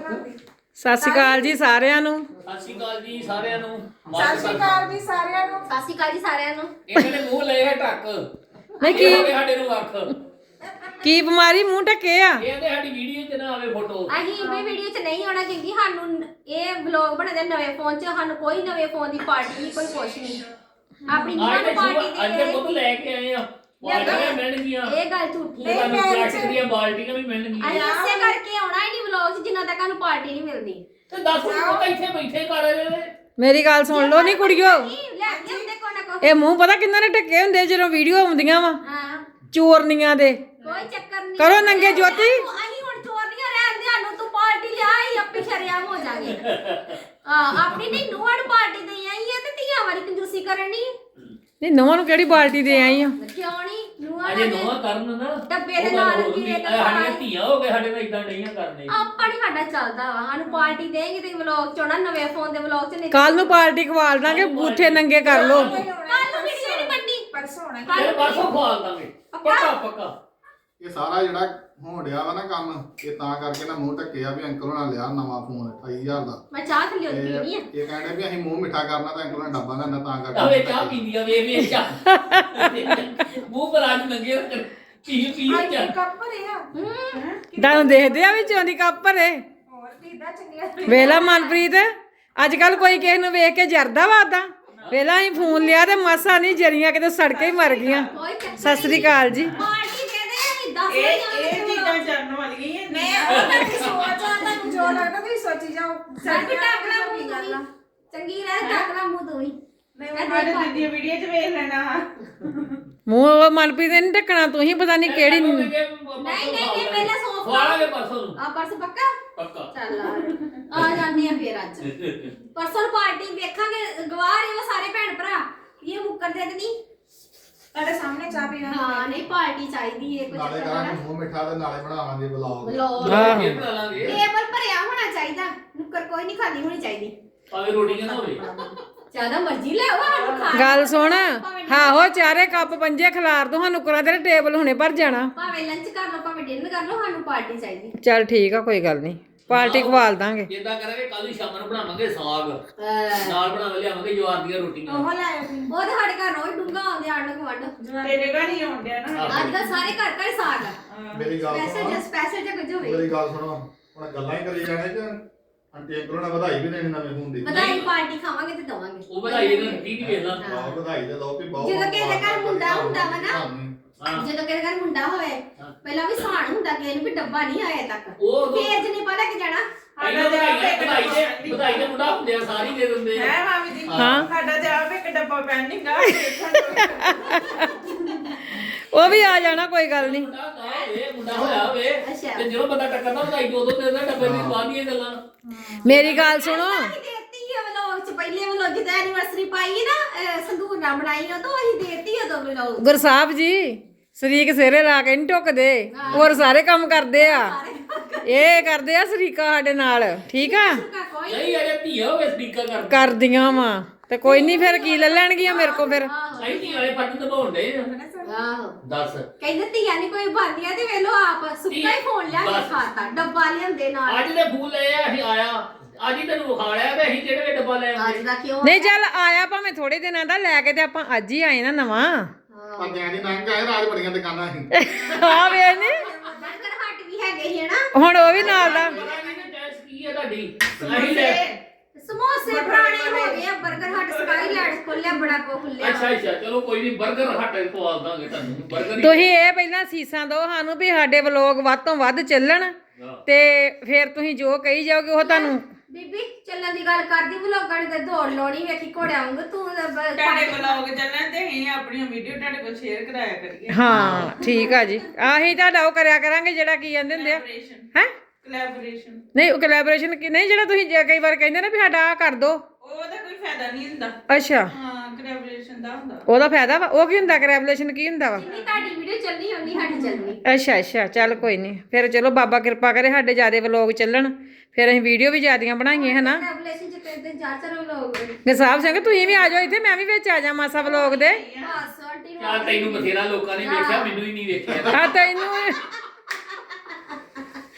ਸਤਿ ਸ਼੍ਰੀ ਅਕਾਲ ਜੀ ਸਾਰਿਆਂ ਨੂੰ। ਸਤਿ ਸ਼੍ਰੀ ਅਕਾਲ ਜੀ ਸਾਰਿਆਂ ਨੂੰ। ਸਤਿ ਸ਼੍ਰੀ ਅਕਾਲ ਜੀ ਸਾਰਿਆਂ ਨੂੰ। ਸਤਿ ਸ਼੍ਰੀ ਅਕਾਲ ਜੀ ਸਾਰਿਆਂ ਨੂੰ। ਇਹਨਾਂ ਨੇ ਮੂੰਹ ਲਏ ਹੈ ਢੱਕ। ਨਹੀਂ ਕੀ ਸਾਡੇ ਨੂੰ ਅੱਖ ਕੀ ਬਿਮਾਰੀ ਮੂੰਹ ਢੱਕੇ ਆ? ਕਹਿੰਦੇ ਸਾਡੀ ਵੀਡੀਓ 'ਚ ਨਾ ਆਵੇ ਫੋਟੋ। ਅਸੀਂ ਵੀ ਵੀਡੀਓ 'ਚ ਨਹੀਂ ਆਉਣਾ ਕਿਉਂਕਿ ਸਾਨੂੰ ਇਹ ਵਲੌਗ ਬਣਦੇ ਨਵੇਂ ਫੋਨ 'ਚ, ਸਾਨੂੰ ਕੋਈ ਨਵੇਂ ਫੋਨ ਦੀ ਪਾਰਟੀ ਨਹੀਂ, ਕੋਈ ਕੁਛ ਨਹੀਂ। ਆਪਣੀ ਨਿਊ ਪਾਰਟੀ ਅੱਜ ਦੇ ਪੁੱਤ ਲੈ ਕੇ ਆਏ ਆ। ਬਾਲਟੀਆਂ ਮਿਲਣਗੀਆਂ। ਇਹ ਗੱਲ ਝੂਠੀ ਹੈ। ਤੁਹਾਨੂੰ ਪਲਾਸਟਿਕ ਦੀਆਂ ਬਾਲਟੀਆਂ ਵੀ ਮਿਲਣਗੀਆਂ। ਅਸੀਂ ਇਸੇ ਕਰਕੇ ਆਉਣਾ ਹੀ ਨਹੀਂ ਵਲੌਗ 'ਚ ਜਿੰਨਾ ਤੱਕ ਸਾਨੂੰ ਪਾਰਟੀ ਨਹੀਂ ਮਿਲਦੀ। ਤੇ ਦੱਸ ਪੁੱਤ ਇੱਥੇ ਬੈਠੇ ਕਰ ਰਹੇ ਨੇ। ਮੇਰੀ ਗੱਲ ਸੁਣ ਲਓ ਨੀ ਕੁੜੀਓ, ਲੈ ਕੇ ਹੁੰਦੇ ਕੋ ਨਾ ਕੋ। ਇਹ ਮੂੰਹ ਪਤਾ ਕਿੰਨਾਂ ਨੇ ਢੱਕੇ ਹੁੰਦੇ ਜਦੋਂ ਵੀਡੀਓ ਆਉਂਦੀਆਂ ਵਾ ਹਾਂ, ਚੋਰਨੀਆਂ ਦੇ। ਕੋਈ ਚੱਕਰ ਨਹੀਂ। ਕਰੋ ਨੰਗੇ ਜੋਤੀ। ਅਸੀਂ ਹੁਣ ਚੋਰ ਨਹੀਂ ਰਹਿੰਦੇ, ਸਾਨੂੰ ਤੂੰ ਪਾਰਟੀ ਲਿਆ ਹੀ ਆਪੇ ਸ਼ਰਿਆਮ ਹੋ ਜਾਗੇ। ਆਪਣੀ ਨਹੀਂ ਨੂੰਹਾਂ ਨੂੰ ਪਾਰਟੀ ਦੇਈ ਆਈ ਹੈ ਤੇ ਧੀਆਂ ਵਾਲੀ ਕੰਜੂਸੀ ਕਰਨੀ। ਨਹੀਂ ਨਵਾਂ ਨੂੰ ਕਿਹੜੀ ਪਾਰਟੀ ਦੇ ਆਈ ਆ? ਕਿਉਂ ਨਹੀਂ ਨੂੰਹਾਂ ਅਜੇ ਨੇ ਨੋਆ ਕਰਨ ਨਾ ਡੱਬੇ ਦੇ ਨਾਲ ਕੀ ਇੱਕ ਸਾਡੀਆਂ ਧੀਆਂ ਹੋ ਗਏ, ਸਾਡੇ ਨਾਲ ਇਦਾਂ ਨਹੀਂ ਕਰਨੇ। ਆਪਾਂ ਨਹੀਂ ਸਾਡਾ ਚੱਲਦਾ ਵਾ, ਸਾਨੂੰ ਪਾਰਟੀ ਦੇਂਗੇ ਤੇ ਵਲੌਗ ਚ ਆਉਣਾ, ਨਵੇਂ ਫੋਨ ਦੇ ਵਲੌਗ ਚ ਨਹੀਂ। ਕੱਲ ਨੂੰ ਪਾਰਟੀ ਖਵਾਲ ਦਾਂਗੇ, ਬੂਥੇ ਨੰਗੇ ਕਰ ਲੋ। ਕੱਲ ਨੂੰ ਵੀਡੀਓ ਨਹੀਂ ਬਣਨੀ, ਪਰਸੋਂ ਹੋਣਾ। ਕੱਲ ਪਰਸੋਂ ਖਵਾਲ ਦਾਂਗੇ ਪੱਕਾ ਪੱਕਾ। ਇਹ ਸਾਰਾ ਜਿਹੜਾ ਹੋਣ ਡਿਆ ਵਾ ਨਾ ਕੰਮ, ਇਹ ਤਾਂ ਕਰਕੇ ਨਾ ਮੂੰਹ ਢੱਕੇ ਆ ਵੀ ਅੰਕਲ ਹੋਣਾ ਲਿਆ ਨਵਾਂ ਫੋਨ 28000 ਦਾ। ਮੈਂ ਚਾਹ ਥੱਲੇ ਉੱਤੀ ਤੇ ਨਹੀਂ ਆ। ਇਹ ਕਹਿੰਦੇ ਵੀ ਅਸੀਂ ਮੂੰਹ ਮਿੱਠਾ ਕਰਨਾ ਤਾਂ ਅੰਕਲ ਹੋਣਾ ਡੱਬਾ ਲੈਂਦਾ ਤਾਂ ਆਵੇ ਕਰਕੇ ਚਾਹ ਪੀਂਦੀ ਆ, ਵੇ ਚਾਹ ਮੂੰਹ ਪਰ ਅੱਜ ਨੰਗੇ ਪੀ ਪੀ ਅੱਜ ਚਾਹ। ਕੱਪ ਭਰੇ ਆ। ਤੁਹਾਨੂੰ ਦੇਖਦੇ ਆ ਵਿੱਚੋਂ ਦੀ ਕੱਪ ਭਰੇ। ਹੋਰ ਦੀਦਾ ਚੰਗੀਆਂ। ਵੇਲਾ ਮਨਪ੍ਰੀਤ, ਅੱਜ ਕੱਲ ਕੋਈ ਕਿਸੇ ਨੂੰ ਵੇਖ ਕੇ ਜਰਦਾ ਵਾ ਓਦਾਂ। ਵੇਲਾ ਹੀ ਫੋਨ ਲਿਆ ਤੇ ਮਾਸਾ ਨਹੀਂ ਜਰੀਆਂ ਕਿਤੇ ਸੜਕੇ ਹੀ ਮਰ ਗਈਆਂ। ਕੋਈ ਚੱਕਰ ਸਤਿ ਸ੍ਰੀ ਅਕਾਲ ਜੀ। ਪਾਰਟੀ ਦੇ ਦੇ, ਅਸੀਂ 10 ਇਹ ਚੀਜ਼ਾਂ ਜਾਣਨ ਵਾਲੀਆਂ ਮੈਂ ਉਹਨਾਂ ਦੀ ਸੋਚ ਆ, ਤੁਹਾਨੂੰ ਜੋ ਲੱਗਦਾ ਤੁਸੀਂ ਸੋਚੀ ਜਾਓ। ਸਾਡੇ ਟਾਕਲਾ ਮੂੰਹ ਤੋਂ ਹੀ ਚੰਗੀ ਰਹਿ, ਟਾਕਲਾ ਮੂੰਹ ਤੋਂ ਹੀ। ਸਾਡੇ ਦੀਦੀ ਵੀਡੀਓ 'ਚ ਵੇਖ ਲੈਣਾ। ਮੂੰਹ ਉਹ ਮਨਪ੍ਰੀਤ ਨੇ ਨੀ ਢੱਕਣਾ, ਤੂੰ ਹੀ ਪਤਾ ਨਹੀਂ ਕਿਹੜੀ। ਨਹੀਂ ਨਹੀਂ ਪਹਿਲਾਂ ਸੌਂਫ ਖਵਾਲਾਂਗੇ ਪਰਸੋਂ ਨੂੰ ਆ ਪਰਸ ਪੱਕਾ ਪੱਕਾ। ਚੱਲ ਆ ਜਾਂਦੇ ਆ ਫੇਰ ਅੱਜ ਪਰਸੋਂ ਪਾਰਟੀ ਵੇਖਾਂਗੇ। ਗਵਾਹ ਰਹੇ ਹੋ ਸਾਰੇ ਭੈਣ ਭਰਾ, ਇਹ ਮੁੱਕਰਦੇ ਤੇ ਨਹੀਂ। ਤੁਹਾਡੇ ਸਾਹਮਣੇ ਚਾਹ ਪੀਣਾ। ਹਾਂ ਨਹੀਂ ਪਾਰਟੀ ਚਾਹੀਦੀ ਹੈ, ਕੁਝ ਨਾਲੇ ਕਰਾਂਗੇ ਮੂੰਹ ਮਿੱਠਾ ਤੇ ਨਾਲੇ ਬਣਾਵਾਂਗੇ ਵਲੌਗ। ਲੋ ਹਾਂ। ਇਹ ਬਣਾ ਲਾਂਗੇ ਟੇਬਲ ਭਰਿਆ ਹੋਣਾ ਚਾਹੀਦਾ, ਨੁੱਕਰ ਕੋਈ ਨਹੀਂ ਖਾਲੀ ਹੋਣੀ ਚਾਹੀਦੀ। ਭਾਵੇਂ ਰੋਟੀਆਂ ਨਾ ਹੋਵੇ। ਜਿਆਦਾ ਮਰਜ਼ੀ ਲੈ ਆਓ, ਸਾਨੂੰ ਖਾ ਗੱਲ ਸੁਣ, ਆਹੋ ਚਾਰੇ ਕੱਪ ਪੰਜੇ ਖਿਲਾਰ ਦੋ, ਸਾਨੂੰ ਕਰਾ ਤੇਰੇ ਟੇਬਲ ਹੁਣੇ ਭਰ ਜਾਣਾ। ਭਾਵੇਂ ਲੰਚ ਕਰ ਲਓ ਭਾਵੇਂ ਡਿਨਰ ਕਰ ਲਓ, ਸਾਨੂੰ ਪਾਰਟੀ ਚਾਹੀਦੀ। ਚੱਲ ਠੀਕ ਆ, ਕੋਈ ਗੱਲ ਨਹੀਂ, ਪਾਰਟੀ ਖਵਾਲ ਦਾਂਗੇ। ਜਿੱਦਾਂ ਕਰਾਂਗੇ ਕੱਲ ਨੂੰ ਸ਼ਾਮ ਨੂੰ ਬਣਾਵਾਂਗੇ ਸਾਗ, ਨਾਲ ਬਣਾ ਲਿਆਵਾਂਗੇ ਜਵਾਰ ਦੀਆਂ ਰੋਟੀਆਂ। ਉਹ ਲੈ ਆਓ। ਉਹ ਤਾਂ ਸਾਡੇ ਘਰ ਰੋਜ਼ ਡੂੰਗਾ ਆਉਂਦੇ ਆਂਡ ਗਵੰਡ। ਤੇਰੇ ਘਰ ਹੀ ਆਉਂਦਿਆ ਨਾ। ਅੱਜ ਕੱਲ੍ਹ ਸਾਰੇ ਘਰ ਘਰ ਸਾਗ ਆ। ਮੇਰੀ ਗੱਲ ਸੁਣੋ, ਸਪੈਸ਼ਲ ਜਾਂ ਕੁਝ ਹੋਵੇ। ਮੇਰੀ ਗੱਲ ਸੁਣੋ, ਹੁਣ ਗੱਲਾਂ ਹੀ ਕਰੀ ਜਾਣੇ ਕਿ ਆਂਟੀ ਅੰਕਲ ਹੋਣਾ ਵਧਾਈ ਵੀ ਦੇਣੀ ਨਵੇਂ ਫੋਨ ਦੀ। ਵਧਾਈ ਪਾਰਟੀ ਖਾਵਾਂਗੇ ਤੇ ਦਵਾਂਗੇ। ਉਹ ਵਧਾਈ ਇਹਨਾਂ ਨੂੰ ਕੀ ਨਹੀਂ ਵੇਖਦਾ। ਆਹ ਵਧਾਈ ਦੇ ਦੋ ਵੀ ਬਹੁਤ। ਜਦੋਂ ਕਿਸੇ ਦੇ ਘਰ ਮੁੰਡਾ ਹੁੰਦਾ ਵਾ ਨਾ, ਹਾਂ ਜਦੋਂ ਕਿਸੇ ਘਰ ਮੁੰਡਾ ਹੋਵੇ ਪਹਿਲਾਂ ਵੀ ਸਾਣ ਹੁੰਦਾ ਕਿ ਇਹਨੂੰ ਵੀ ਡੱਬਾ ਨਹੀਂ ਆਇਆ ਤੱਕ, ਉਹ ਫੇਰ ਜਨੇ ਪਤਾ ਕਿ ਜਾਣਾ। ਪਹਿਲਾਂ ਵਧਾਈ ਦੇ ਮੁੰਡਾ ਹੁੰਦੇ ਆ, ਸਾਰੀ ਦੇ ਦਿੰਦੇ ਆ। ਹੈ ਮਾਮੀ ਜੀ, ਹਾਂ। ਸਾਡਾ ਤੇ ਆਪ ਇੱਕ ਡੱਬਾ ਪੈਂਡਿੰਗ ਆ। ਉਹ ਵੀ ਆ ਜਾਣਾ, ਕੋਈ ਗੱਲ ਨਹੀਂ। ਮੁੰਡਾ ਹੋਇਆ ਹੋਵੇ ਅੱਛਾ। ਤੇ ਜਦੋਂ ਬੰਦਾ ਟੱਕਰਦਾ ਵਧਾਈ ਦੋ ਦੋ ਦੇ ਦਿੰਦਾ, ਡੱਬੇ ਦੀ ਬਾਅਦ ਦੀਆਂ ਗੱਲਾਂ। ਮੇਰੀ ਗੱਲ ਸੁਣੋ, ਅਸੀਂ ਦੇਤੀ ਹੈ ਵਲੋਗ ਚ, ਪਹਿਲੇ ਵਲੋਗ ਜਿਹਦਾ ਐਨੀਵਰਸਰੀ ਪਾਈ ਹੈ ਨਾ, ਸੰਦੂਰ ਨਾ ਬਣਾਈ ਉਹ ਤੋਂ ਅਸੀਂ ਦੇਤੀ ਉਦੋਂ ਵਲੋਗ। ਗੁਰਸਾਹਿਬ ਜੀ ਸ਼ਰੀਕ ਸਿਰੇ ਲਾ ਕੇ ਨਹੀਂ ਢੁੱਕਦੇ, ਹੋਰ ਸਾਰੇ ਕੰਮ ਕਰਦੇ ਆ। ਇਹ ਕਰਦੇ ਆ ਸ਼ਰੀਕਾ ਸਾਡੇ ਨਾਲ, ਠੀਕ ਆ। ਕੋਈ ਨਹੀਂ ਅਜੇ ਧੀਆ ਹੋਵੇ ਸਪੀਕਰ ਕਰ ਕਰਦੀਆਂ ਵਾ ਤੇ ਕੋਈ ਨਹੀਂ, ਫਿਰ ਕੀ ਲੈ ਲੈਣਗੀਆਂ ਮੇਰੇ ਕੋ ਫਿਰ। ਨਹੀਂ ਧੀਆਂ ਵਾਲੇ ਫੱਟ ਦਬਾਉਂਦੇ ਆਹੋ ਦੱਸ। ਕਹਿੰਦੇ ਧੀਆਂ ਨਹੀਂ ਕੋਈ ਬਣਦੀਆਂ ਤੇ ਵੇਲੋ ਆਪ ਸੁੱਕਾ ਹੀ ਫੋਨ ਲਿਆ ਕੇ ਖਾਤਾ, ਡੱਬਾ ਲਿਆਂਦੇ ਨਾਲ। ਅੱਜ ਦੇ ਫੂਲ ਲਏ ਆ, ਅਸੀਂ ਆਇਆ ਅੱਜ ਹੀ ਤੈਨੂੰ ਵਿਖਾ ਲਿਆ ਤੇ ਅਸੀਂ ਕਿਹੜੇ ਵੇ ਡੱਬਾ ਲੈ ਅੱਜ ਆਉਂਦੇ। ਦਾ ਕਿਉਂ ਨਹੀਂ ਚੱਲ ਆਇਆ ਭਾਵੇਂ ਥੋੜੇ ਦਿਨਾਂ ਦਾ, ਲੈ ਕੇ ਤੇ ਆਪਾਂ ਅੱਜ ਹੀ ਆਏ ਨਾ ਨਵਾਂ। ਪੰਜਿਆਂ ਦੀ ਨੰਗ ਆਏ, ਰਾਜ ਬੜੀਆਂ ਦੁਕਾਨਾਂ ਸੀ। ਆ ਵੇ ਨੀ ਬਰਗਰ ਹੱਟ ਵੀ ਹੈਗੇ ਸੀ ਨਾ, ਹੁਣ ਉਹ ਵੀ ਨਾਲ ਦਾ। ਪਤਾ ਨਹੀਂ ਕਿ ਟੈਸ ਕੀ ਹੈ ਤੁਹਾਡੀ। ਅਸੀਂ ਲੈ ਸਮੋਸੇ ਪੁਰਾਣੇ ਹੋ ਗਏ ਆ। ਬਰਗਰ ਹੱਟ ਸਕਾਈਲੈਂਡ ਖੋਲਿਆ, ਬੜਾ ਕੋ ਖੁੱਲਿਆ। ਅੱਛਾ ਅੱਛਾ ਚਲੋ ਕੋਈ ਨਹੀਂ, 버ਗਰ ਹੱਟ ਪਵਾ ਦਾਂਗੇ ਤੁਹਾਨੂੰ 버ਗਰ ਹੀ। ਤੁਸੀਂ ਇਹ ਪਹਿਲਾਂ ਸੀਸਾਂ ਦਿਓ ਸਾਨੂੰ ਵੀ ਸਾਡੇ ਵਲੋਗ ਵੱਧ ਤੋਂ ਵੱਧ ਚੱਲਣ, ਤੇ ਫਿਰ ਤੁਸੀਂ ਜੋ ਕਹੀ ਜਾਓਗੇ ਉਹ ਤੁਹਾਨੂੰ। ਬੀਬੀ ਚੱਲਣ ਦੀ ਗੱਲ ਕਰਦੀ, ਵਲੋਗਾਂ ਨੇ ਤੇ ਦੌੜ ਲਾਉਣੀ ਵੇਖੀ ਘੋੜਿਆਂ ਵਾਂਗੂ। ਤੂੰ ਤੁਹਾਡੇ ਵਲੌਗ ਚੱਲਣ ਤੇ ਅਸੀਂ ਆਪਣੀਆਂ ਵੀਡੀਓ ਤੁਹਾਡੇ ਕੋਲ ਸ਼ੇਅਰ ਕਰਾਇਆ ਕਰੀਏ। ਹਾਂ ਠੀਕ ਆ ਜੀ, ਆਹੀ ਤੁਹਾਡਾ ਉਹ ਕਰਿਆ ਕਰਾਂਗੇ ਜਿਹੜਾ ਕੀ ਕਹਿੰਦੇ ਹੁੰਦੇ ਆ ਹੈ ਕੋਲੈਬੋਰੇਸ਼ਨ। ਨਹੀਂ, ਉਹ ਕੋਲੈਬੋਰੇਸ਼ਨ ਕੀ ਨਹੀਂ, ਜਿਹੜਾ ਤੁਸੀਂ ਕਈ ਵਾਰ ਕਹਿੰਦੇ ਨਾ ਵੀ ਸਾਡਾ ਆ ਕਰ ਦੋ। ਉਹਦਾ ਕੋਈ ਫਾਇਦਾ ਨਹੀਂ ਹੁੰਦਾ। ਅੱਛਾ, ਹਾਂ ਕੋਲੈਬੋਰੇਸ਼ਨ ਦਾ ਹੁੰਦਾ। ਉਹਦਾ ਫਾਇਦਾ ਵਾ। ਉਹ ਕੀ ਹੁੰਦਾ ਕੋਲੈਬੋਰੇਸ਼ਨ, ਕੀ ਹੁੰਦਾ ਵਾ? ਜਿੰਨੀ ਤੁਹਾਡੀ ਵੀਡੀਓ ਚੱਲਣੀ ਓਨੀ ਸਾਡੀ ਚੱਲਣੀ। ਅੱਛਾ ਅੱਛਾ, ਚੱਲ ਕੋਈ ਨਹੀਂ, ਫਿਰ ਚਲੋ ਬਾਬਾ ਕਿਰਪਾ ਕਰੇ ਸਾਡੇ ਜਿਆਦੇ ਵਲੋਗ ਚੱਲਣ, ਫਿਰ ਅਸੀਂ ਵੀਡੀਓ ਵੀ ਜਿਆਦੀਆਂ ਬਣਾਈਏ ਹਨਾ। ਰੈਵਲੇਸ਼ਨ ਚ ਤੇ ਦਿਨ ਚਾਰ ਚਾਰ ਵਲੋਗ। ਗਸਾਬ ਸਿੰਘ ਤੁਸੀਂ ਵੀ ਆ ਜਾਓ ਇੱਥੇ, ਮੈਂ ਵੀ ਵਿੱਚ ਆ ਜਾ ਮਾਸਾ ਵਲੋਗ ਦੇ। ਬਸ ਆਂਟੀ ਨੂੰ ਚੱਲ ਤੈਨੂੰ ਬਥੇਰਾ ਲੋਕਾਂ ਨੇ ਵੇਖਿਆ, ਮੈਨੂੰ ਹੀ ਨਹੀਂ ਵੇਖਿਆ। ਆ ਤੈਨੂੰ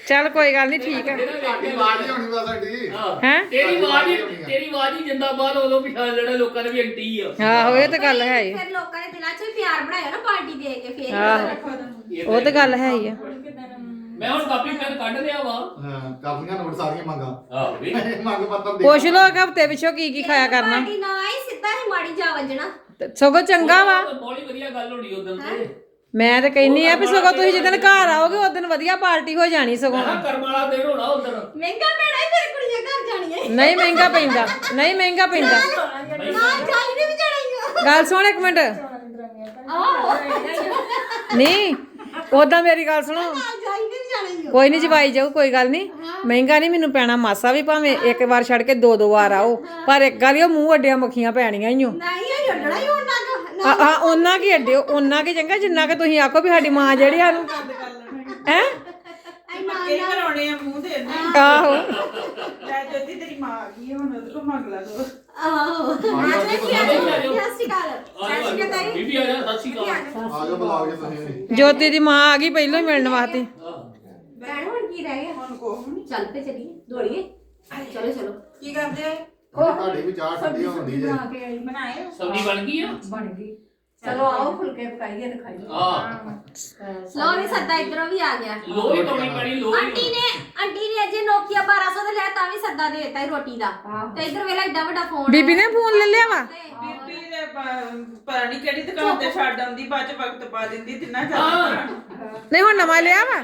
ਚੱਲ ਕੋਈ ਗੱਲ ਨਹੀਂ ਠੀਕ ਹੈ ਸਾਡੀ ਆਵਾਜ਼ ਹੀ ਹੋਣੀ ਬਸ ਸਾਡੀ ਹੈਂ? ਤੇਰੀ ਆਵਾਜ਼ ਹੀ ਜਿੰਦਾਬਾਦ ਉਦੋਂ ਪਛਾਣ ਲੈਣਾ ਲੋਕਾਂ ਨੇ ਵੀ ਆਂਟੀ ਆ ਆਹੋ ਇਹ ਤਾਂ ਗੱਲ ਹੈ ਹੀ ਫਿਰ ਲੋਕਾਂ ਨੇ ਦਿਲਾਂ 'ਚ ਵੀ ਪਿਆਰ ਬਣਾਇਆ ਨਾ ਪਾਰਟੀ ਦੇ ਕੇ ਫਿਰ ਆਹੋ ਉਹ ਤਾਂ ਗੱਲ ਹੈ ਹੀ ਆ ਮੈਂ ਹੁਣ ਕਾਪੀ ਪੈਨ ਕੱਢ ਲਿਆ ਵਾ ਹਾਂ ਕਾਫੀਆਂ ਨੋਟ ਸਾਰੀਆਂ ਮੰਗਾ ਆਹ ਵੀ ਮੰਗ ਪੱਤਰ ਦੇ ਪੁੱਛ ਲੋ ਕਿ ਹਫਤੇ ਪਿਛੋਂ ਕੀ ਖਾਇਆ ਕਰਨਾ ਪਾਰਟੀ ਨਾ ਆਈ ਸਿੱਧਾ ਹੀ ਮਾੜੀ ਜਾ ਵੱਜਣਾ ਤੇ ਸਗੋਂ ਚੰਗਾ ਵਾ ਬਹੁਤ ਹੀ ਵਧੀਆ ਗੱਲ ਹੋਣੀ ਉਦੋਂ ਤੇ ਮੈਂ ਤਾਂ ਕਹਿੰਨੀ ਆ ਵੀ ਸਗੋਂ ਤੁਸੀਂ ਜਿੱਦਣ ਘਰ ਆਓਗੇ ਉਦੋਂ ਵਧੀਆ ਪਾਰਟੀ ਹੋ ਜਾਣੀ ਸਗੋਂ ਮੈਂ ਕਰਮ ਵਾਲਾ ਦਿਨ ਹੋਣਾ ਉਦੋਂ ਮਹਿੰਗਾ ਪੈਣਾ ਹੀ ਫਿਰ ਕੁੜੀਆਂ ਘਰ ਜਾਣੀਆਂ ਨਹੀਂ ਮਹਿੰਗਾ ਪੈਂਦਾ ਨਹੀਂ ਮਹਿੰਗਾ ਪੈਂਦਾ ਨਾਲ ਜਾਈ ਨੇ ਵੀ ਜਾਣੀਆਂ ਗੱਲ ਸੁਣ ਇੱਕ ਮਿੰਟ ਆਹੋ ਨਹੀਂ ਉਦਾਂ ਮੇਰੀ ਗੱਲ ਸੁਣੋ ਨਾਲ ਜਾਈ ਨੇ ਵੀ ਜਾਣੀਆਂ ਕੋਈ ਨਹੀਂ ਜਵਾਈ ਜਾਊ ਕੋਈ ਗੱਲ ਨਹੀਂ ਮਹਿੰਗਾ ਨਹੀਂ ਮੈਨੂੰ ਪੈਣਾ ਮਾਸਾ ਵੀ ਭਾਵੇਂ ਇੱਕ ਵਾਰ ਛੱਡ ਕੇ ਦੋ ਵਾਰ ਆਓ ਪਰ ਇੱਕ ਗੱਲ ਉਹ ਮੂੰਹ ਅੱਡਿਆਂ ਮੱਖੀਆਂ ਪੈਣੀਆਂ ਹੀ ਓ ਨਹੀਂ ਇਹ ਛੱਡਣਾ ਹੀ ਉਹਨਾਂ ਦਾ ਹਾਂ ਉਹਨਾਂ ਕੀ ਅੱਡਿਓ ਉਹਨਾਂ ਕੀ ਚੰਗਾ ਜਿੰਨਾ ਕਿ ਤੁਸੀਂ ਆਖੋ ਵੀ ਸਾਡੀ ਮਾਂ ਜਿਹੜੀ ਸਾਨੂੰ ਹੈ ਪੱਕੇ ਕਰਾਉਣੇ ਆ ਮੂੰਹ ਦੇ ਨਾ ਆਹੋ ਲੈ ਜੋਤੀ ਤੇਰੀ ਮਾਂ ਆ ਗਈ ਹੈ, ਹੁਣ ਉਹਦੇ ਕੋਲ ਮੰਗ ਲਾ ਦੋ ਆਹੋ ਸਤਿ ਸ਼੍ਰੀ ਅਕਾਲ ਬੀਬੀ ਆ ਜਾ ਸਤਿ ਸ਼੍ਰੀ ਅਕਾਲ ਆ ਜਾਓ ਬੁਲਾਓ ਜੀ ਤੁਸੀਂ ਵੀ। ਜੋਤੀ ਦੀ ਮਾਂ ਆ ਗਈ ਪਹਿਲਾਂ ਹੀ ਮਿਲਣ ਵਾਸਤੇ ਭੈਣ ਹੁਣ ਕੀ ਰਹਿ ਗਿਆ ਹੁਣ ਕੋ ਚੱਲ ਪੇ ਚਲੀਏ ਦੌੜੀਏ ਚਲੋ ਚਲੋ ਕੀ ਕਰਦੇ ਤੁਹਾਡੀ ਵੀ ਚਾਹ ਠੰਡੀ ਹੁੰਦੀ ਜੇ ਬਣਾਏ ਸਬਜ਼ੀ ਬਣ ਗਈ ਆ ਬਣ ਗਈ ਚਲੋ ਆਓ ਫੁਲਕੇ ਪਕਾਈਏ ਤੇ ਖਾਈਏ ਹਾਂ ਲੋ ਵੀ ਸੱਦਾ ਇਧਰੋਂ ਵੀ ਆ ਗਿਆ ਲੋਹੀ ਪਾਉਣੀ ਪੈਣੀ ਲੋਹੀ ਆਂਟੀ ਨੇ ਅਜੇ ਨੋਕੀਆ 1200 ਦਾ ਲਿਆ ਤਾਂ ਵੀ ਸੱਦਾ ਦੇ ਦਿੱਤਾ ਰੋਟੀ ਦਾ ਤੇ ਇਧਰ ਵੇਲਾ ਏਡਾ ਵੱਡਾ ਫੋਨ ਬੀਬੀ ਨੇ ਫੋਨ ਲੈ ਲਿਆ ਵਾ ਬੀਬੀ ਦੇ ਪਤਾ ਨਹੀਂ ਕਿਹੜੀ ਦੁਕਾਨ ਤੇ ਛੱਡ ਆਉਂਦੀ ਬਾਅਦ ਚ ਵਕਤ ਪਾ ਦਿੰਦੀ ਤਿੰਨਾ ਚੱਲ ਨਹੀਂ ਹੁਣ ਨਵਾਂ ਲਿਆ ਵਾ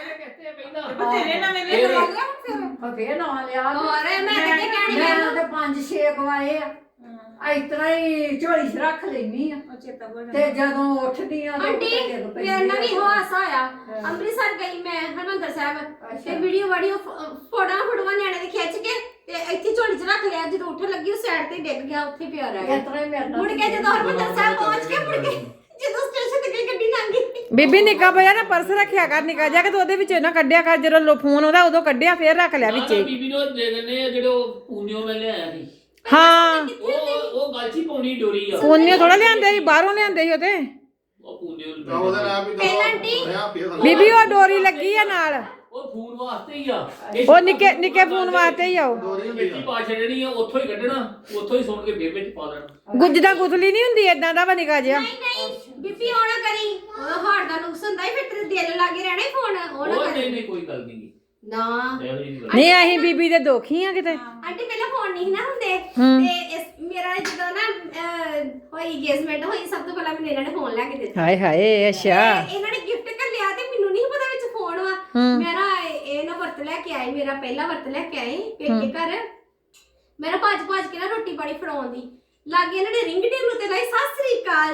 ਤੇਰੇ ਨਵੇਂ ਲੈ ਲਓ ਫੇਰ ਨਾ ਲਿਆ ਹੋਰ ਮੈਂ ਕਿਤੇ ਕਹਿਣੀ ਮੈਂ ਮੈਨੂੰ ਉਹਦੇ 5-6 ਗਵਾਏ ਆ ਇਸ ਤਰ੍ਹਾਂ ਹੀ ਝੋਲੀ 'ਚ ਰੱਖ ਲੈਣੀ ਆ ਚੇਤਾ ਭੁੱਲ ਤੇ ਜਦੋਂ ਉੱਠਦੀ ਆ ਆਂਟੀ ਮੇਰੇ ਨਾਲ ਵੀ ਹਾਸਾ ਆਇਆ ਅੰਮ੍ਰਿਤਸਰ ਗਈ ਮੈਂ ਹਰਮੰਦਰ ਸਾਹਿਬ ਤੇ ਵੀਡੀਓ ਫੋਟੋਆਂ ਨਿਆਣੇ ਦੇ ਖਿੱਚ ਕੇ ਤੇ ਇੱਥੇ ਝੋਲੀ 'ਚ ਰੱਖ ਲਿਆ ਜਦੋਂ ਉੱਠਣ ਲੱਗੀ ਉਹ ਸਾਈਡ ਤੇ ਡਿੱਗ ਗਿਆ ਉੱਥੇ ਪਿਆ ਰਹਿ ਗਿਆ ਇਸ ਤਰ੍ਹਾਂ ਹੀ ਮੇਰੇ ਨਾਲ ਮੁੜ ਕੇ ਜਦੋਂ ਹਰਮੰਦਰ ਸਾਹਿਬ ਪਹੁੰਚ ਕੇ ਮੁੜ ਕੇ ਜਦੋਂ ਸਟੇਸ਼ਨ ਤੇ ਗਈ ਗੱਡੀ ਲੰਘ ਗਈ ਬੀਬੀ ਨਿੱਕਾ ਪਿਆ ਨਾ ਪਰਸ ਰੱਖਿਆ ਕਰ ਨਿੱਕਾ ਜਾ ਕੇ ਤੂੰ ਉਹਦੇ ਵਿੱਚੋਂ ਨਾ ਕੱਢਿਆ ਕਰ ਜਦੋਂ ਫੋਨ ਆਉਂਦਾ ਉਦੋਂ ਕੱਢਿਆ ਫੇਰ ਰੱਖ ਲਿਆ ਵਿੱਚੇ ਬੀਬੀ ਨੂੰ ਦੇ ਦਿੰਦੇ ਆ ਜਿਹੜੇ ਉਹ ਪੂਨਿਓ ਮੈਂ ਲਿਆਇਆ ਸੀ ਹਾਂ ਉਹ ਗਾਲਚੀ ਪਾਉਣੀ ਡੋਰੀ ਆ ਫੋਨੇ ਥੋੜਾ ਲਿਆਂਦੇ ਸੀ ਬਾਹਰੋਂ ਲਿਆਂਦੇ ਸੀ ਉਹਦੇ ਉਹ ਪੂਨਿਓ ਤਾਂ ਉਹਦੇ ਨਾਲ ਵੀ ਪਹਿਲਾਂ ਆਂਟੀ ਬੀਬੀ ਉਹ ਡੋਰੀ ਲੱਗੀ ਆ ਨਾਲ ਉਹ ਫੋਨ ਵਾਸਤੇ ਹੀ ਆ ਉਹ ਨਿੱਕੇ ਫੋਨ ਵਾਸਤੇ ਹੀ ਆ ਉਹ ਦੋਰੀ ਹੁੰਦੀ ਮਿੱਟੀ ਪਾ ਛੱਡਣੀ ਆ ਉੱਥੋਂ ਹੀ ਕੱਢਣਾ ਉੱਥੋਂ ਹੀ ਸੁਣ ਕੇ ਫੇਰ ਵਿੱਚ ਪਾ ਦੇਣਾ ਗੁੱਜਦਾ ਗੁੱਥਲੀ ਨਹੀਂ ਹੁੰਦੀ ਏਦਾਂ ਦਾ ਵਾ ਨਿੱਕਾ ਜਿਹਾ ਨਹੀਂ ਬੀਬੀ ਆਉਣਾ ਕਰੀ ਉਹ ਹਾਰਟ ਦਾ ਨੁਕਸ ਹੁੰਦਾ ਹੀ ਫਿਰ ਤੇਰੇ ਦਿਲ ਲੱਗੇ ਰਹਿਣਾ ਹੀ ਫੋਨ ਉਹ ਨਾ ਉਹ ਕਰੀ ਨਹੀਂ ਕੋਈ ਗੱਲ ਨਹੀਂ ਨਾ ਨਹੀਂ ਅਸੀਂ ਬੀਬੀ ਦੇ ਦੋਖੀ ਆ ਕਿਤੇ ਆਂਟੀ ਪਹਿਲਾਂ ਫੋਨ ਨਹੀਂ ਨਾ ਹੁੰਦੇ ਤੇ ਮੇਰਾ ਜਦੋਂ ਨਾ ਹੋਈ engagement ਹੋਈ ਸਭ ਤੋਂ ਪਹਿਲਾਂ ਮੈਨੂੰ ਇਹਨਾਂ ਨੇ ਫੋਨ ਲੈ ਕੇ ਦਿੱਤਾ ਹਾਏ ਹਾਏ ਅੱਛਾ ਤੇ ਇਹਨਾਂ ਨੇ ਗਿਫਟ ਕਰ ਲਿਆ ਤੇ ਮੈਨੂੰ ਨਹੀਂ ਪਤਾ ਵਿੱਚ ਫੋਨ ਵਾ ਮੇਰਾ ਇਹ ਨਾ ਵਰਤ ਲੈ ਕੇ ਆਏ ਮੇਰਾ ਪਹਿਲਾ ਵਰਤ ਲੈ ਕੇ ਆਏ ਪੇਕੇ ਘਰ ਮੇਰਾ ਭੱਜ ਕੇ ਨਾ ਰੋਟੀ ਪਾਣੀ ਫੜਾਉਣ ਦੀ ਲਾਗੇ ਇਹਨਾਂ ਨੇ ਰਿੰਗ ਟੇਬਲ ਤੇ ਲਾਈ ਸਤਿ ਸ੍ਰੀ ਅਕਾਲ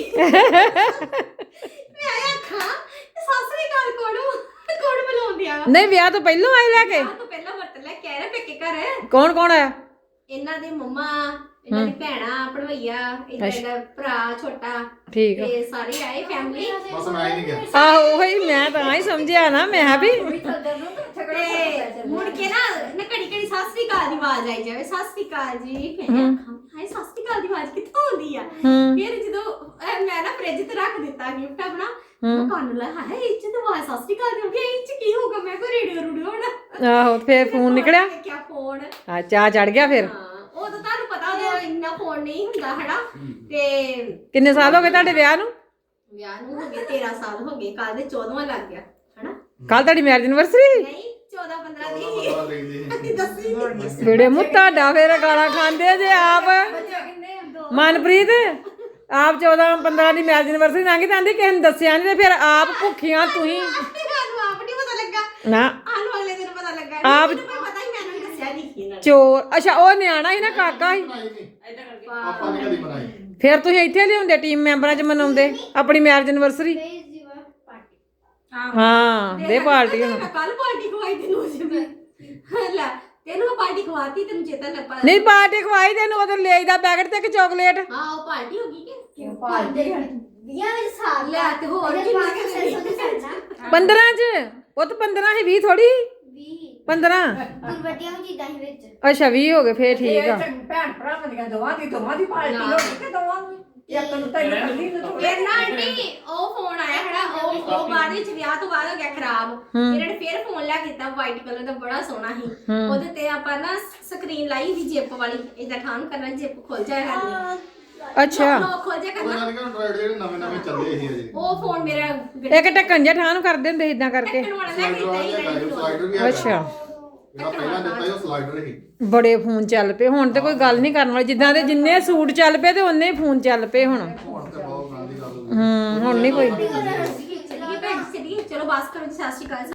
ਜੀ ਮੈਂ ਆਖਾਂ ਸਤਿ ਸ੍ਰੀ ਅਕਾਲ ਕੌਣ ਬੁਲਾਉਂਦਿਆ ਨਹੀਂ ਵਿਆਹ ਤੋਂ ਪਹਿਲਾਂ ਆਏ ਲੈ ਕੇ ਤੋਂ ਪਹਿਲਾਂ ਵਰਤ ਲੈ ਕੇ ਆਏ ਨਾ ਪੇਕੇ ਘਰ ਕੌਣ ਕੌਣ ਆਇਆ ਇਹਨਾਂ ਦੇ ਮੰਮਾ ਇਹਨਾਂ ਦੀ ਭੈਣਾ ਭਣਵਈਆ ਇਹਨਾਂ ਦਾ ਭਰਾ ਛੋਟਾ ਠੀਕ ਆ ਤੇ ਸਾਰੇ ਆਏ ਫੈਮਿਲੀ ਬਸ ਮੈਂ ਹੀ ਨਹੀਂ ਗਿਆ ਆਹੋ ਉਹੀ ਮੈਂ ਤਾਂ ਹੀ ਸਮਝਿਆ ਨਾ ਮੈਂ ਕਿਹਾ ਵੀ ਤੇ ਮੁੜ ਕੇ ਨਾ ਘੜੀ ਸਤਿ ਸ੍ਰੀ ਅਕਾਲ ਦੀ ਆਵਾਜ਼ ਆਈ ਜਾਵੇ ਸਤਿ ਸ੍ਰੀ ਅਕਾਲ ਜੀ ਫਿਰ ਹਾਏ ਸਤਿ ਸ੍ਰੀ ਅਕਾਲ ਦੀ ਆਵਾਜ਼ ਕਿੱਥੋਂ ਆਉਂਦੀ ਆ ਫਿਰ ਜਦੋਂ ਮੈਂ ਨਾ ਫ੍ਰਿਜ ਤੇ ਰੱਖ ਦਿੱਤਾ ਗਿਫਟ ਆਪਣਾ ਮੈਂ ਕੰਨ ਲਾ ਹਾਏ ਇਹ ਚ ਤਾਂ ਆਵਾਜ਼ ਸਤਿ ਸ੍ਰੀ ਅਕਾਲ ਦੀ ਇਹ ਚ ਕੀ ਹੋਊਗਾ ਮੈਂ ਕੋ ਰੇਡੀਓ ਹੋਣਾ ਆਹੋ ਫੇਰ ਫੋਨ ਨਿਕਲਿਆ ਕਿਆ ਫੋਨ ਆ ਚਾਹ ਚੜ ਗਿਆ ਫਿਰ ਉਹ ਤਾਂ ਤੁਹਾਨੂੰ ਪਤਾ ਉਹ ਇੰਨਾ ਫੋਨ ਨਹੀਂ ਹੁੰਦਾ ਹਨਾ ਤੇ ਕਿੰਨੇ ਸਾਲ ਹੋ ਗਏ ਤੁਹਾਡੇ ਵਿਆਹ ਨੂੰ ਵਿਆਹ ਨੂੰ ਹੋ ਗਏ 13 ਸਾਲ ਹੋ ਗਏ ਕੱਲ ਦੇ 14ਵਾਂ ਲੱਗ ਗਿਆ ਹਨਾ ਕੱਲ ਤੁਹਾਡੀ ਮੈਰਿਜ ਐਨਵਰਸਰੀ ਨਹੀਂ 14-15 ਦੀ ਦੱਸੀ ਨਹੀਂ ਬੇੜੇ ਮੂੰਹ ਤੁਹਾਡਾ ਫੇਰ ਗਾਲਾਂ ਖਾਂਦੇ ਜੇ ਆਪ ਮਨਪ੍ਰੀਤ ਆਪ 14-15 ਦੀ ਮੈਰਿਜ ਐਨਵਰਸਰੀ ਲੰਘੀ ਜਾਂਦੀ ਕਿਸੇ ਨੂੰ ਦੱਸਿਆ ਨਹੀਂ ਤੇ ਫਿਰ ਆਪ ਭੁੱਖੀਆਂ ਤੁਸੀਂ ਸਾਨੂੰ ਆਪ ਨਹੀਂ ਪਤਾ ਲੱਗਾ ਨਾ ਆਨੂੰ ਅਗਲੇ ਦਿਨ ਪਤਾ ਲੱਗਾ ਆਪ ਮੈਨੂੰ ਪਤਾ ਹੀ ਮੈਨੂੰ ਦੱਸਿਆ ਨਹੀਂ ਇਹਨਾਂ ਨੇ ਚੋਰ ਅੱਛਾ ਉਹ ਨਿਆਣਾ ਸੀ ਨਾ ਕਾਕਾ ਸੀ ਆਪਾਂ ਨੇ ਕਦੀ ਬਣਾਈ ਫਿਰ ਤੁਸੀਂ ਇੱਥੇ ਲਿਆਉਂਦੇ ਟੀਮ ਮੈਂਬਰਾਂ 'ਚ ਮਨਾਉਂਦੇ ਆਪਣੀ ਮੈਰਿਜ ਐਨਵਰਸਰੀ ਹਾਂ ਦੇ ਪਾਰਟੀ ਹੁਣ ਮੈਂ ਕੱਲ ਪਾਰਟੀ ਖਵਾਈ ਤੈਨੂੰ ਜਿਵੇਂ ਲੈ ਤੈਨੂੰ ਮੈਂ ਪਾਰਟੀ ਖਵਾਤੀ ਤੈਨੂੰ ਚੇਤਾ ਨਾ ਪਾ ਨਹੀਂ ਪਾਰਟੀ ਖਵਾਈ ਤੈਨੂੰ ਉਧਰ ਲੈ ਦਾ ਪੈਕਟ ਤੇ ਇੱਕ ਚਾਕਲੇਟ ਹਾਂ ਉਹ ਪਾਰਟੀ ਹੋ ਗਈ ਕਿ ਪਾਰਟੀ ਵੀਆਂ ਵਿੱਚ ਸਾਲ ਲੈ ਤੇ ਹੋਰ ਕੀ ਮੰਗ ਕੇ 15 'ਚ ਉਹ ਤਾਂ 15 ਸੀ 20 ਥੋੜੀ 15 ਵੱਡੀਆਂ ਚੀਜ਼ਾਂ ਹੀ ਵਿੱਚ ਅੱਛਾ 20 ਹੋ ਗਏ ਫੇਰ ਠੀਕ ਆ ਭੈਣ ਭਰਾਵਾਂ ਦੀਆਂ ਦੋਵਾਂ ਦੀ ਪਾਰਟੀ ਹੋ ਗਈ ਤੇ ਦੋਵਾਂ ਦੀ ਇੱਕ ਨੂੰ ਤੈਨੂੰ ਕੱਢੀ ਨੂੰ ਥੋੜ੍ਹਾ ਫਿਰ ਨਾ ਆਂਟੀ ਉਹ ਫੋਨ ਆਇਆ ਹੈਗਾ ਉਹ ਬਾਅਦ ਵਿੱਚ ਵਿਆਹ ਤੋਂ ਬਾਅਦ ਹੋ ਗਿਆ ਖਰਾਬ ਇਹਨਾਂ ਨੇ ਫਿਰ ਫੋਨ ਲਿਆ ਕੀਤਾ ਵਾਈਟ ਕਲਰ ਦਾ ਬੜਾ ਸੋਹਣਾ ਸੀ ਉਹਦੇ ਤੇ ਆਪਾਂ ਨਾ ਸਕਰੀਨ ਲਾਈ ਦੀ ਜਿਪ ਵਾਲੀ ਇਦਾਂ ਠਾਣ ਕਰਨਾ ਜਿਪ ਖੁੱਲ ਜਾਇਆ ਕਰਨੀ ਅੱਛਾ ਲੋਕ ਖੁੱਲ ਜਾਇਆ ਕਰਨਾ ਉਹਨਾਂ ਦੇ ਐਂਡਰਾਇਡ ਜਿਹੜੇ ਨਵੇਂ ਨਵੇਂ ਚੱਲੇ ਸੀ ਅਜੇ ਉਹ ਫੋਨ ਮੇਰਾ ਇੱਕ ਢੱਕਣ ਜਿਹਾ ਠਾਹ ਨੂੰ ਕਰਦੇ ਹੁੰਦੇ ਇਦਾਂ ਕਰਕੇ ਢੱਕਣ ਵਾਲਾ ਲੈ ਕੇ ਦਿੱਤਾ ਹੀ ਸਲਾਈਡਰ ਵੀ ਹੈਗਾ ਅੱਛਾ ਜਿਹੜਾ ਪਹਿਲਾਂ ਦਿੱਤਾ ਸੀ ਉਹ ਸਲਾਈਡਰ ਸੀ ਬੜੇ ਫੋਨ ਚੱਲ ਪਏ ਹੁਣ ਤੇ ਕੋਈ ਗੱਲ ਨਹੀਂ ਕਰਨ ਵਾਲੀ ਜਿੱਦਾਂ ਦੇ ਜਿੰਨੇ ਸੂਟ ਚੱਲ ਪਏ ਤੇ ਉਹਨੇ ਹੀ ਫੋਨ ਚੱਲ ਪਏ ਹੁਣ ਹੁਣ ਤੇ ਬਹੁਤ ਗਾਂ ਦੀ ਗੱਲ ਹੋ ਗਈ ਹੁਣ ਨਹੀਂ ਕੋਈ ਚੱਲੀਏ ਭੈਣ ਜੀ ਚੱਲੀਏ ਚਲੋ ਬਸ ਕਰੋ ਜੀ ਸਤਿ ਸ਼੍ਰੀ ਅਕਾਲ